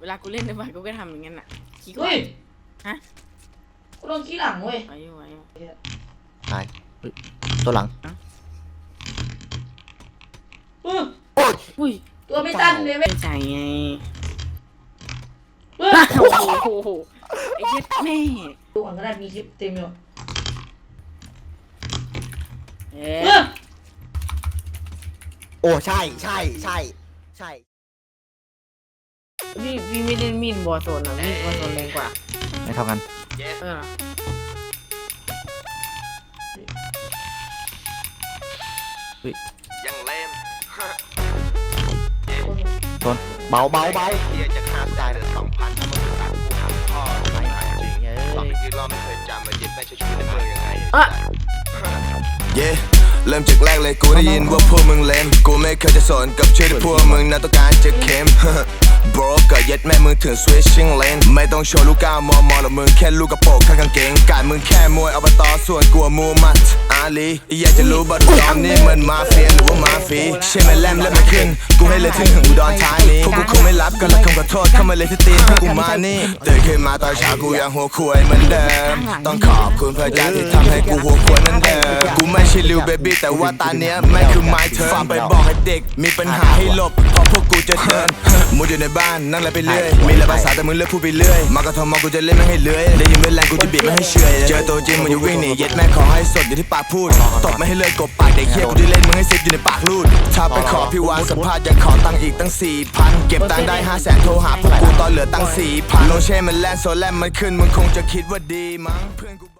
เวลากูเล่นในบ้านกูก็ทำอย่างนั้นน่ะขี้ก่อเฮ้ยฮะกูโดนขี้หลังเว้ยไว้ไว้ตายตัวหลังอื้ออุ้ยตัวไม่ตันเลยเว้ยใจไงอื้อโอ้โหไอ้เหี้ยแม่ดูก่อนก็ได้มีคลิปเต็มอยู่เอ๊อื้อะโอ้ใช่ใช่ใช่ใช่พี่ไม่ได้มีดบอลโซนอ่ะมีดบอลโซนแรงกว่าไม่เท่ากันเออยังเล่มโดนเบาเบาเบาเฮียจะฆ่าตายเดือน2,000ถ้ามึงตัดกูหาพ่อไม่หายจริงสองกี่รอบไม่เคยจำมาเย็นไม่ใช่ชีวิตในเมืองยังไงเย่เริ่มจากแรกเลยกูได้ยินว่าพวกมึงเลมกูไม่เคยจะสนกับชื่อที่พวกมึงนั้นต้องการจะเข้ม bro ก็ยัดแม่มึงถึง switching lane ไม่ต้องโชว์ลูกก้าวมอหรอกมึงแค่ลูกกระโปรงข้างกางเกงการมึงแค่มวยอบตส่วนกลัวมูมัดอาลีอยากจะรู้บัดตอนนี้มันมาเฟียหรือว่ามาฟีใช่ไหมแลมเล่นไม่ขึ้นกูให้เลยถึงอุดรธานีพวกกูคงไม่รับกันและคำขอโทษเข้ามาเลยที่ตีนพวกกูมานี่ตื่นขึ้นมาตอนเช้ากูยังหัวควายเหมือนเดิมต้องขอบคุณพระเจ้าที่ทำให้กูหัวควายนั่นเดิมกูไม่ใช่ลิวเบบี้แต่ว่าตาเนี้ยไม่คือไม้เธอฟังไปบอกให้เด็กมีปัญหาให้หลบเพราะพวกกูจะเดินมุดอยู่ในบ้านนั่งอะไรไปเรื่อยมีหลายภาษาแต่มึงเลือกพูดไปเรื่อยมากระทำมกูจะเล่นไม่ให้เลื้อยได้ยินเวลากูจะบีบไม่ให้เฉยเจอตัวจริงมึงอย่าวิ่งหนีเย็ดแม่ขอให้สดอยู่ที่ปากพูดตบไม่ให้เลื่อยกบปากเด็กเฮียกูจะเล่นมึงให้ซิปอยู่ในปากลูดถ้าไปขอพี่วานสัมภาษณ์ยังขอตังค์อีกตั้ง 4,000 เก็บตังค์ได้500,000โทรหาพวกกูตอนเหลือตังค์ 4,000 ลงเช่มันแลนโซแลนมันขึ้นมึงคงจะคิดว่าดีมั้งเพื่อน